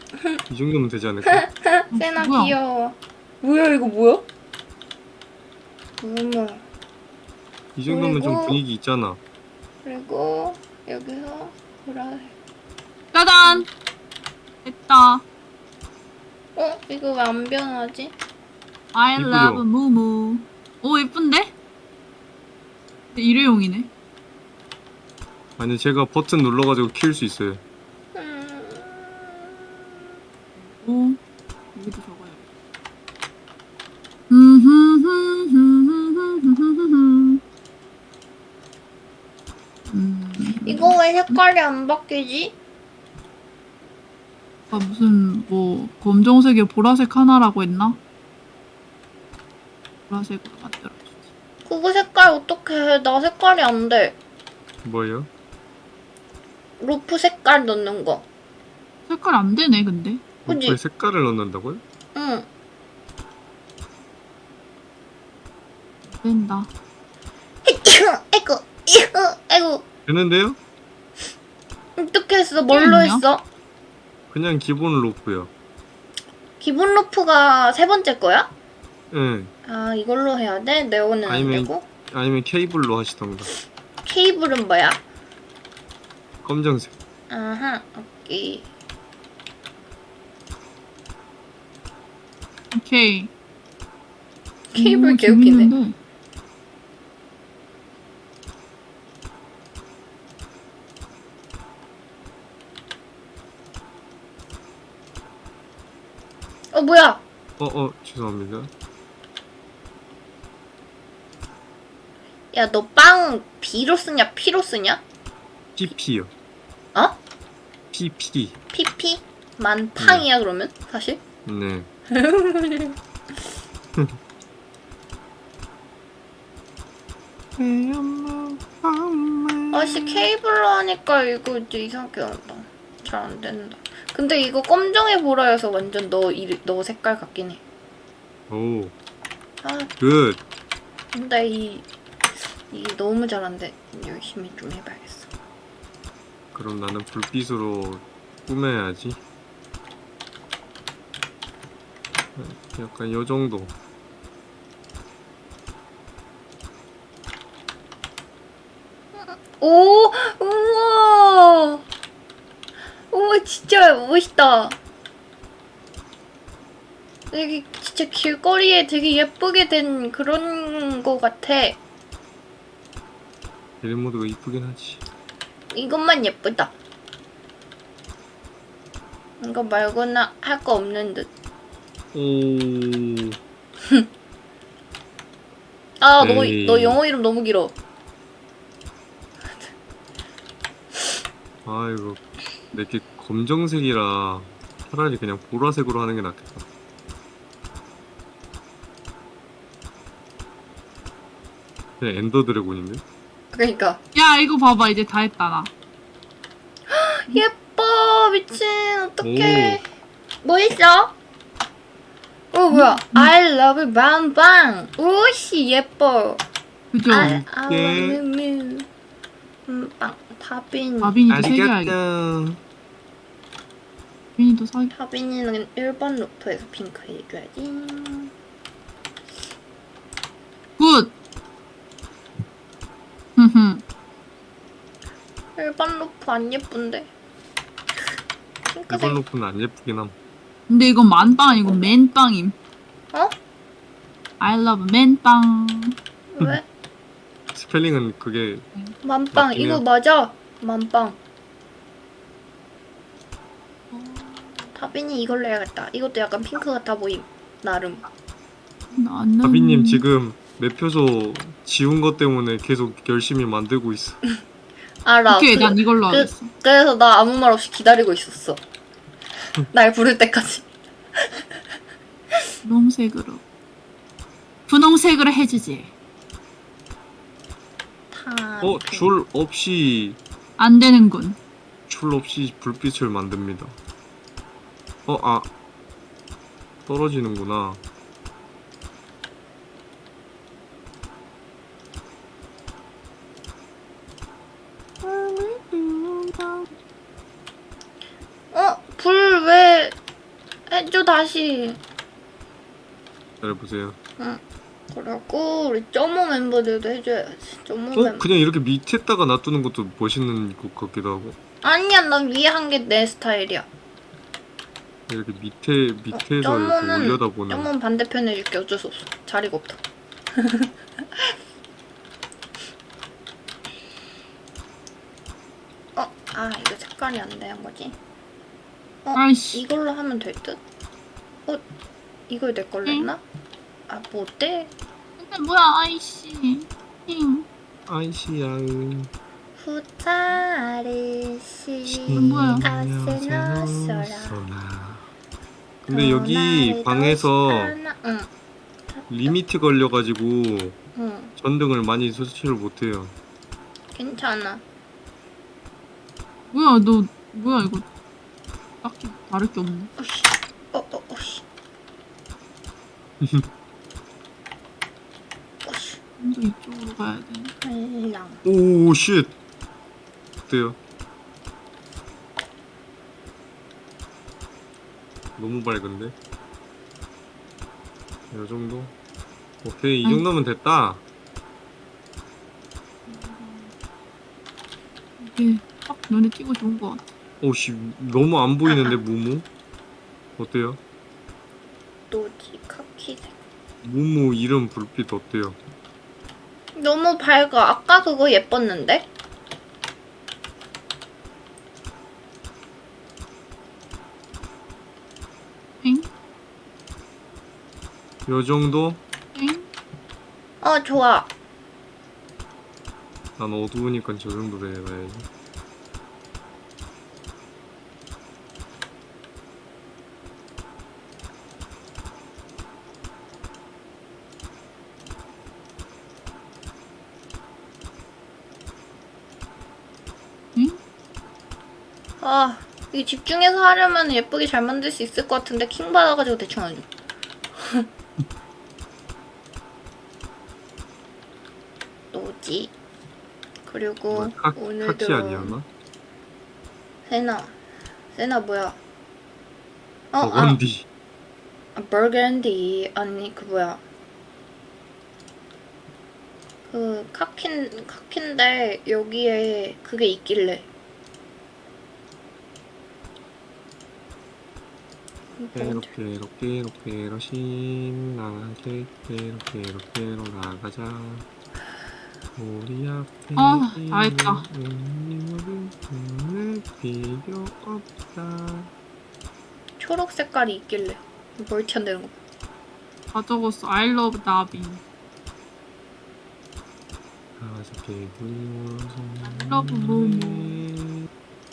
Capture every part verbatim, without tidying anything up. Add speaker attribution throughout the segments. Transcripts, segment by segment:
Speaker 1: 이 정도면 되지 않을까?
Speaker 2: 세나
Speaker 3: 뭐야?
Speaker 2: 귀여워. 뭐야 이거 뭐야? 어머.
Speaker 1: 이 정도면 좀
Speaker 2: 그리고-
Speaker 1: 분위기 있잖아.
Speaker 2: 그리고 여기서 보라색.
Speaker 3: 짜잔! 됐다.
Speaker 2: 어? 이거 왜 안 변하지?
Speaker 3: I
Speaker 1: 이쁘죠?
Speaker 3: love 무무. 오, 예쁜데? 근데 일회용이네.
Speaker 1: 아니 제가 버튼 눌러가지고 키울 수 있어요.
Speaker 2: 음...
Speaker 3: 오, 여기도 적어요. 음,
Speaker 2: 이거 왜 색깔이 안 바뀌지?
Speaker 3: 아, 무슨 뭐 검정색에 보라색 하나라고 했나? 보라색으로 만들어주지.
Speaker 2: 그거 색깔 어떻게 해? 나 색깔이 안 돼.
Speaker 1: 뭐예요?
Speaker 2: 루프 색깔 넣는 거.
Speaker 3: 색깔 안 되네, 근데.
Speaker 2: 그지?
Speaker 1: 루프에 색깔을 넣는다고요?
Speaker 2: 응.
Speaker 3: 안 된다.
Speaker 2: 아이고, 이거, 아이고.
Speaker 1: 되는데요?
Speaker 2: 어떻게 했어? 뭘로
Speaker 3: 있냐?
Speaker 2: 했어?
Speaker 1: 그냥 기본 루프요.
Speaker 2: 기본 루프가 세 번째 거야?
Speaker 1: 예.
Speaker 2: 아, 이걸로 해야 돼? 네오는 안
Speaker 1: 아니면-
Speaker 2: 되고?
Speaker 1: 아니면 케이블로 하시던가.
Speaker 2: 케이블은 뭐야?
Speaker 1: 검정색.
Speaker 2: 아하, 오케이.
Speaker 3: 오케이.
Speaker 2: 케이블
Speaker 3: 오,
Speaker 2: 개웃기네.
Speaker 3: 재밌는데.
Speaker 2: 어, 뭐야?
Speaker 1: 어, 어, 죄송합니다.
Speaker 2: 야, 너 빵 B로 쓰냐? P로 쓰냐?
Speaker 1: 피피요.
Speaker 2: 어?
Speaker 1: 피피.
Speaker 2: 피피? 만팡이야, 그러면? 사실?
Speaker 1: 네.
Speaker 2: 아씨, 케이블로 하니까 이거 이제 이상하게 한다. 잘 안 된다. 근데 이거 검정에 보라여서 완전 너, 이, 너 색깔 같긴 해.
Speaker 1: 오,
Speaker 2: 아,
Speaker 1: 굿.
Speaker 2: 근데 이, 이게 너무 잘한데 열심히 좀 해봐야겠어.
Speaker 1: 그럼 나는 불빛으로 꾸며야지. 약간 요 정도.
Speaker 2: 오! 우와! 우와, 진짜 멋있다. 여기 진짜 길거리에 되게 예쁘게 된 그런 거 같아.
Speaker 1: 일모드가 이쁘긴 하지.
Speaker 2: 이것만 예쁘다. 이거 말고는 할 거 없는 듯.
Speaker 1: 오,
Speaker 2: 아, 너,
Speaker 1: 에이.
Speaker 2: 너 영어 이름 너무 길어.
Speaker 1: 아이고, 내게 검정색이라 차라리 그냥 보라색으로 하는 게 낫겠다. 그냥 엔더 드래곤인데?
Speaker 2: 그러니까.
Speaker 3: 야, 이거 봐봐. 이제 다 했다, 나.
Speaker 2: 예뻐, 미친. 어떡해. 뭐 있어? 어, 뭐야. I love 빵빵. 오씨, 예뻐.
Speaker 3: 그죠?
Speaker 2: I, I
Speaker 1: 예.
Speaker 2: love you. 음, 빵. 다빈.
Speaker 3: 다빈이도 세 개 알겠다.
Speaker 1: 아리가또.
Speaker 3: 다빈이도 사 개.
Speaker 2: 다빈이는 일 번 루프에서 핑크 해줘야지.
Speaker 3: 굿! 흠흠.
Speaker 2: 일 번 루프 안 예쁜데. 핑크색.
Speaker 1: 일반 루프는 안 예쁘긴 함.
Speaker 3: 근데 이건 만빵 아니고 맨빵임.
Speaker 2: 어?
Speaker 3: I love 맨빵.
Speaker 2: 왜?
Speaker 1: 스펠링은 그게
Speaker 2: 만빵.
Speaker 1: 맞긴
Speaker 2: 이거
Speaker 1: 해요.
Speaker 2: 맞아. 만빵. 다빈이 이걸로 해야겠다. 이것도 약간 핑크 같아 보임. 나름.
Speaker 3: 나는...
Speaker 1: 다비님 지금 매표소 지운 것 때문에 계속 열심히 만들고 있어.
Speaker 2: 알아.
Speaker 3: 오케이,
Speaker 2: 그,
Speaker 3: 난 이걸로
Speaker 2: 그,
Speaker 3: 하겠어.
Speaker 2: 그래서 나 아무 말 없이 기다리고 있었어. 날 부를 때까지.
Speaker 3: 분홍색으로. 분홍색으로 해주지.
Speaker 2: 다.
Speaker 1: 어, 줄 없이
Speaker 3: 안 되는군.
Speaker 1: 줄 없이 불빛을 만듭니다. 어, 아 떨어지는구나.
Speaker 2: 어? 불 왜 해줘 다시.
Speaker 1: 기다려보세요.
Speaker 2: 그리고 우리 점오 멤버들도 해줘야지. 점오
Speaker 1: 어?
Speaker 2: 멤버.
Speaker 1: 그냥 이렇게 밑에다가 놔두는 것도 멋있는 것 같기도 하고.
Speaker 2: 아니야, 난 위에 한 게 내 스타일이야.
Speaker 1: 이렇게 밑에 밑에서 이렇게
Speaker 2: 점오는
Speaker 1: 올려다보는.
Speaker 2: 점오는 반대편에 해줄게. 어쩔 수 없어. 자리가 없다. 어, 아 이거 색깔이 안 되는 거지? 어,
Speaker 3: 아이씨.
Speaker 2: 이걸로 하면 될 듯? 어, 이걸 내 걸로 했나? 아, 뭐 어때?
Speaker 3: 근데 뭐야, 아이씨. 잉.
Speaker 1: 아이씨야은.
Speaker 2: 후타르시
Speaker 3: 뭐야?
Speaker 2: 아세나서라.
Speaker 1: 근데 여기 방에서
Speaker 2: 응,
Speaker 1: 리미트 걸려가지고
Speaker 2: 응,
Speaker 1: 전등을 많이 설치를 못해요.
Speaker 2: 괜찮아.
Speaker 3: 뭐야, 너, 뭐야, 이거. 딱히 다를 게 없네.
Speaker 2: 어씨, 어, 어, 어씨. 어씨,
Speaker 3: 좀 더 이쪽으로 가야 돼.
Speaker 2: 할랑.
Speaker 1: 오 쉣. 어때요? 너무 밝은데? 이 정도? 오케이, 이
Speaker 3: 응.
Speaker 1: 정도면 됐다.
Speaker 3: 이게 딱 눈에 띄고 좋은 것 같아.
Speaker 1: 오씨, 너무 안 보이는데, 무무? 어때요?
Speaker 2: 노지 카키색.
Speaker 1: 무무 이름 불빛 어때요?
Speaker 2: 너무 밝아. 아까 그거 예뻤는데?
Speaker 3: 엥?
Speaker 1: 요 정도?
Speaker 3: 엥?
Speaker 2: 어, 좋아.
Speaker 1: 난 어두우니까 저 정도 돼야지.
Speaker 3: 응?
Speaker 2: 아, 이 집중해서 하려면 예쁘게 잘 만들 수 있을 것 같은데 킹 받아가지고 대충 하죠. 노지. 그리고
Speaker 1: 뭐야, 카,
Speaker 2: 오늘도
Speaker 1: 카키 아니었나?
Speaker 2: 세나. 세나 뭐야? 어,
Speaker 1: 버건디.
Speaker 2: 아, 버건디. 아니, 그 뭐야. 그 카킨, 카킨데 여기에 그게 있길래.
Speaker 1: 이렇게 이렇게 이렇게 이렇게 신나게 이렇게 이렇게로 나가자. 우리 앞에
Speaker 3: 아, 다 했다.
Speaker 1: 있는 필요 없다.
Speaker 2: 초록 색깔이 있길래. 멀티 안 되는 거.
Speaker 3: 다 적었어. I love 나비.
Speaker 1: 가볍게 굴러서
Speaker 3: I love 모모.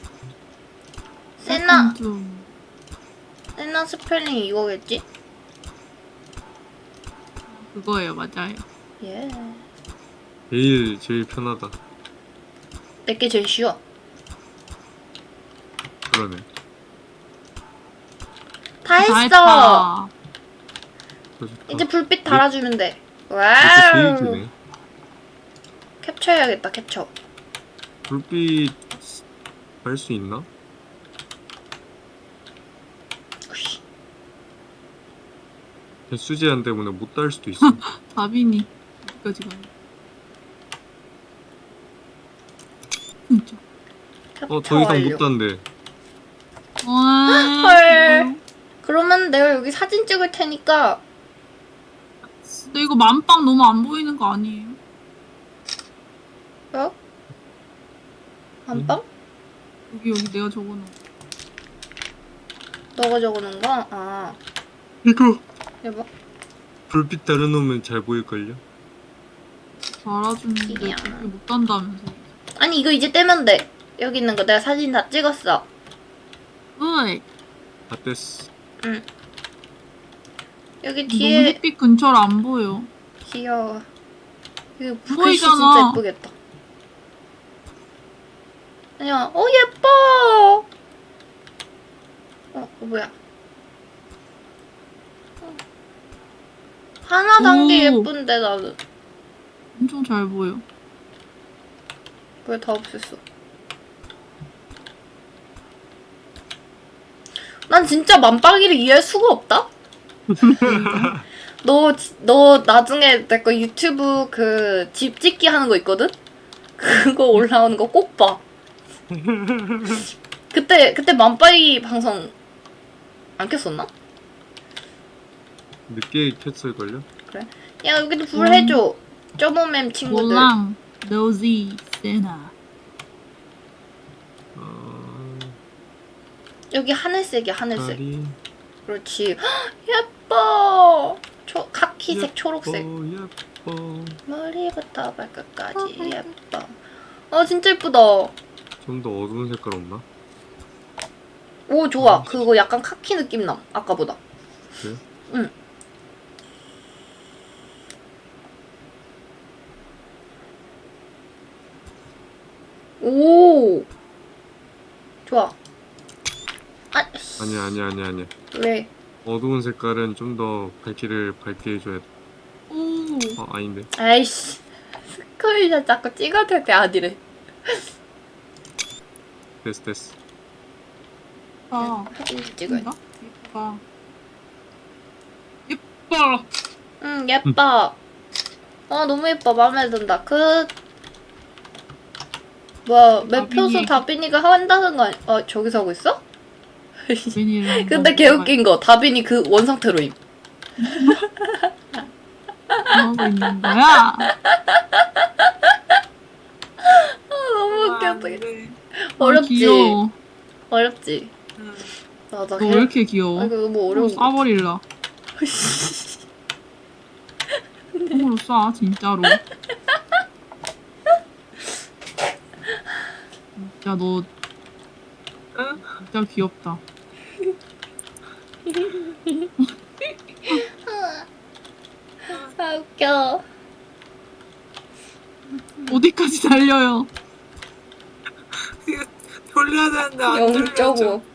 Speaker 2: 세나,
Speaker 3: 좀.
Speaker 2: 세나 스펠링이 이거겠지?
Speaker 3: 그거예요, 맞아요.
Speaker 2: 예.
Speaker 1: 제일 제일 편하다.
Speaker 2: 내게 제일 쉬워.
Speaker 1: 그러네.
Speaker 2: 다 했어!
Speaker 3: 했다.
Speaker 1: 저 좋다.
Speaker 2: 이제 불빛 달아주면 돼.
Speaker 1: 이렇게 제일
Speaker 2: 와우!
Speaker 1: 기네.
Speaker 2: 캡처해야겠다, 캡처.
Speaker 1: 불빛 할 수 있나?
Speaker 2: 으쌰.
Speaker 1: 개수 제한 때문에 못 달 수도 있어.
Speaker 3: 다빈이. 어디까지 가요? 진짜.
Speaker 2: 캡처
Speaker 1: 어, 더 이상
Speaker 2: 완료.
Speaker 1: 못 단대.
Speaker 2: 헐. 그러면 내가 여기 사진 찍을 테니까
Speaker 3: 근데 이거 만빵 너무 안 보이는 거 아니에요?
Speaker 2: 어? 안방?
Speaker 3: 여기 여기 내가 적어놓은
Speaker 2: 너가 적어놓은 거? 아,
Speaker 1: 이거
Speaker 2: 여보.
Speaker 1: 불빛 달아놓으면 잘 보일걸요?
Speaker 3: 달아주는데
Speaker 2: 이야.
Speaker 3: 그렇게 못 단다면서.
Speaker 2: 아니 이거 이제 떼면 돼. 여기 있는 거 내가 사진 다 찍었어.
Speaker 3: 으이.
Speaker 1: 다 뗐어.
Speaker 2: 응. 여기
Speaker 3: 너무
Speaker 2: 뒤에
Speaker 3: 햇빛 근처를 안 보여.
Speaker 2: 귀여워. 이거 글씨
Speaker 3: 보이잖아.
Speaker 2: 진짜 예쁘겠다. 아니야. 어 예뻐. 어, 어 뭐야? 어. 하나 단 게
Speaker 3: 오.
Speaker 2: 예쁜데 나는
Speaker 3: 엄청 잘 보여.
Speaker 2: 왜 다 없앴어? 난 진짜 만빵이를 이해할 수가 없다. 너, 지- 너 나중에 내 거 유튜브 그 집 짓기 하는 거 있거든? 그거 올라오는 거 꼭 봐. 그때, 그때 만빵이 방송 안 켰었나?
Speaker 1: 늦게 켰을걸요?
Speaker 2: 야, 여기도 불
Speaker 3: 음.
Speaker 2: 해줘. 쪼모맴 친구들.
Speaker 3: 몰랑, 노지, 세나.
Speaker 1: 어...
Speaker 2: 여기 하늘색이야, 하늘색.
Speaker 1: 다리
Speaker 2: 그렇지. 헉, 예뻐. 초, 카키색, 초록색.
Speaker 1: 예뻐.
Speaker 2: 머리부터 발끝까지 예뻐. 아, 진짜 예쁘다.
Speaker 1: 좀 더 어두운 색깔 없나?
Speaker 2: 오, 좋아. 그거 약간 카키 느낌 남. 아까보다.
Speaker 1: 그래요?
Speaker 2: 응. 오. 좋아. 아, 씨.
Speaker 1: 아니야 아니야 아니야 아니야.
Speaker 2: 왜?
Speaker 1: 어두운 색깔은 좀 더 밝기를 밝게 해줘야 돼.
Speaker 3: 오,
Speaker 1: 어 아닌데.
Speaker 2: 아이씨. 스크린샷 자꾸 찍어도 돼, 아니래.
Speaker 1: 됐어 됐어.
Speaker 3: 아,
Speaker 2: 사진 찍어야 돼.
Speaker 3: 예쁘다. 예쁘다. 예뻐.
Speaker 2: 응, 예뻐. 아, 너무 예뻐. 마음에 든다. 그, 뭐야, 매표소
Speaker 3: 다빈이.
Speaker 2: 다빈이가 한다는 거 아니, 어, 저기서 하고 있어?
Speaker 3: 웬일이야.
Speaker 2: 근데 개웃긴 거, 다빈이 그 원상태로임.
Speaker 3: 뭐 하고 있는 거야?
Speaker 2: 아, 너무 웃겨,
Speaker 4: 아,
Speaker 2: 어떡해.
Speaker 4: 그래.
Speaker 3: 어,
Speaker 2: 어렵지?
Speaker 3: 귀여워.
Speaker 2: 어렵지?
Speaker 4: 응.
Speaker 2: 맞아.
Speaker 3: 너 왜 이렇게 귀여워?
Speaker 2: 아, 이거 너무 어려운 거.
Speaker 3: 쏴버릴라. 손으로 쏴, 진짜로. 진짜 너
Speaker 4: 응?
Speaker 3: 진짜 귀엽다.
Speaker 2: 아, 웃겨.
Speaker 3: 어디까지 달려요?
Speaker 4: 이거 돌려야 되는데 안
Speaker 2: 영
Speaker 4: 돌려져.
Speaker 2: 점 오.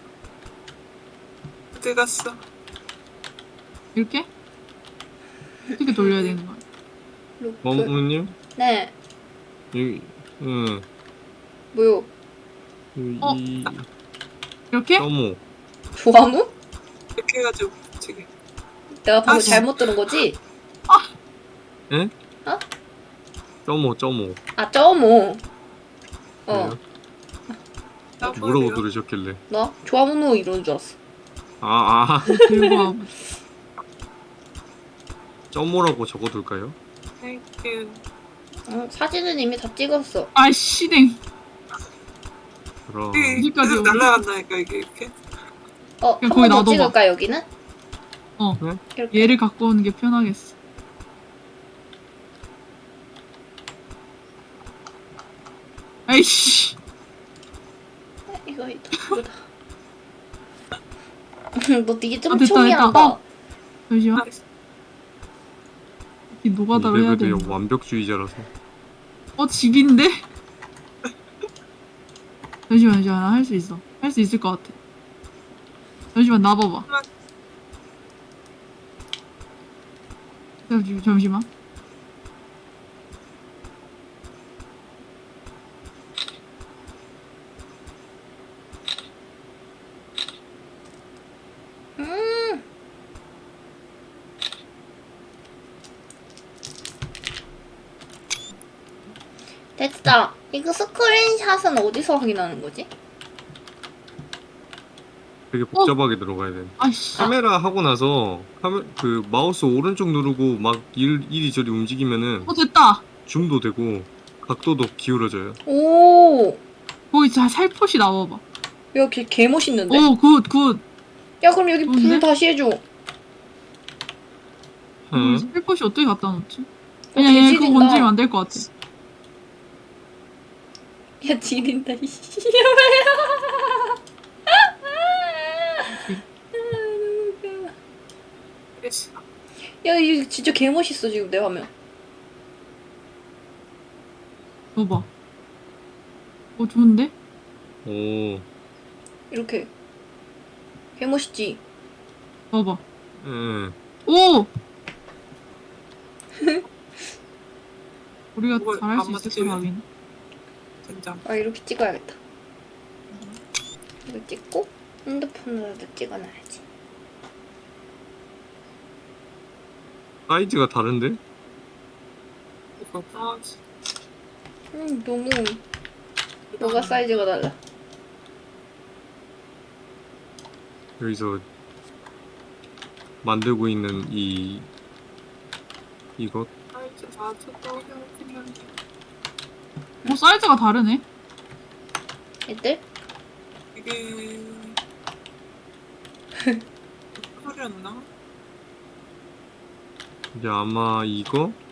Speaker 4: 어디 갔어?
Speaker 3: 이렇게? 어떻게 돌려야 되는 거야?
Speaker 2: 루프.
Speaker 1: 어머님
Speaker 2: 네.
Speaker 1: 여기 응
Speaker 2: 뭐요?
Speaker 1: 이
Speaker 3: 어.
Speaker 1: 이-
Speaker 3: 이렇게?
Speaker 1: 점오
Speaker 2: 조화무?
Speaker 4: 이렇게 해가지고 지금
Speaker 2: 내가 방금
Speaker 4: 아, 씨.
Speaker 2: 잘못 들은 거지?
Speaker 1: 예?
Speaker 2: 어?
Speaker 1: 점오 점오.
Speaker 2: 아, 점오. 어.
Speaker 1: 그래요? 뭐라고 들으셨길래?
Speaker 2: 나? 조화무 이러는 줄 알았어.
Speaker 1: 아 아.
Speaker 3: 들고 와.
Speaker 1: 점오라고 적어둘까요?
Speaker 4: 땡큐.
Speaker 2: 어, 사진은 이미 다 찍었어.
Speaker 3: 아, 씨댕.
Speaker 1: 그럼
Speaker 4: 이게
Speaker 3: 어디까지
Speaker 4: 계속
Speaker 3: 오지?
Speaker 4: 날아간다니까 이게 이렇게.
Speaker 2: 어, 한
Speaker 3: 그냥
Speaker 2: 번
Speaker 3: 거기
Speaker 2: 더
Speaker 3: 놔둬봐.
Speaker 2: 찍을까, 여기는?
Speaker 3: 어.
Speaker 1: 네?
Speaker 2: 이렇게.
Speaker 3: 얘를 갖고 오는 게 편하겠어. 아이씨.
Speaker 2: 이거, 이거, 이거다. 너 되게 좀
Speaker 3: 아, 됐다,
Speaker 2: 촘히
Speaker 3: 됐다.
Speaker 2: 한다.
Speaker 3: 어. 잠시만.
Speaker 4: 아,
Speaker 3: 이 노가다로 해야 돼.
Speaker 1: 이래봬도 완벽주의자라서.
Speaker 3: 어, 집인데? 잠시만, 잠시만. 할 수 있어. 할 수 있을 것 같아. 잠시만, 놔봐봐. 잠시만, 잠시만.
Speaker 2: 음. 됐다. 이거 스크린샷은 어디서 확인하는 거지?
Speaker 1: 되게 복잡하게 들어가야 돼.
Speaker 3: 아이씨.
Speaker 1: 카메라 하고 나서 카메 그 마우스 오른쪽 누르고 막 일, 이리저리 움직이면은
Speaker 3: 어, 됐다.
Speaker 1: 줌도 되고 각도도 기울어져요.
Speaker 2: 오.
Speaker 3: 거기 자, 살포시 나와봐.
Speaker 2: 야, 걔, 개 멋있는데?
Speaker 3: 오, 굿, 굿.
Speaker 2: 야, 그럼 여기 불
Speaker 3: 좋은데?
Speaker 2: 다시 해줘.
Speaker 1: 응.
Speaker 3: 살포시 어떻게 갖다 놓지?
Speaker 2: 어,
Speaker 3: 그냥 얘 그거
Speaker 2: 개지린다.
Speaker 3: 건드리면 안 될 것 같아.
Speaker 2: 야, 지린다, 이씨.
Speaker 4: 됐어.
Speaker 2: 야, 이거 진짜 개 멋있어, 지금 내 화면.
Speaker 3: 봐봐. 어, 좋은데?
Speaker 1: 오.
Speaker 2: 이렇게. 개 멋있지?
Speaker 3: 봐봐.
Speaker 1: 응.
Speaker 3: 오! 우리가
Speaker 4: 그걸
Speaker 3: 잘할
Speaker 4: 안
Speaker 3: 수 있을
Speaker 4: 맞지?
Speaker 3: 거라 하긴.
Speaker 4: 된장.
Speaker 2: 아, 이렇게 찍어야겠다. 이거 찍고. 핸드폰으로도 찍어놔야지.
Speaker 1: 사이즈가 다른데?
Speaker 4: 이거 빠지.
Speaker 2: 음, 너무 뭐가 사이즈가 달라?
Speaker 1: 여기서 만들고 있는 이 이것
Speaker 4: 사이즈 맞췄다고 생각했는데.
Speaker 3: 어 사이즈가 다르네.
Speaker 2: 얘들?
Speaker 4: 이게 소리였나?
Speaker 1: 이제 아마 이거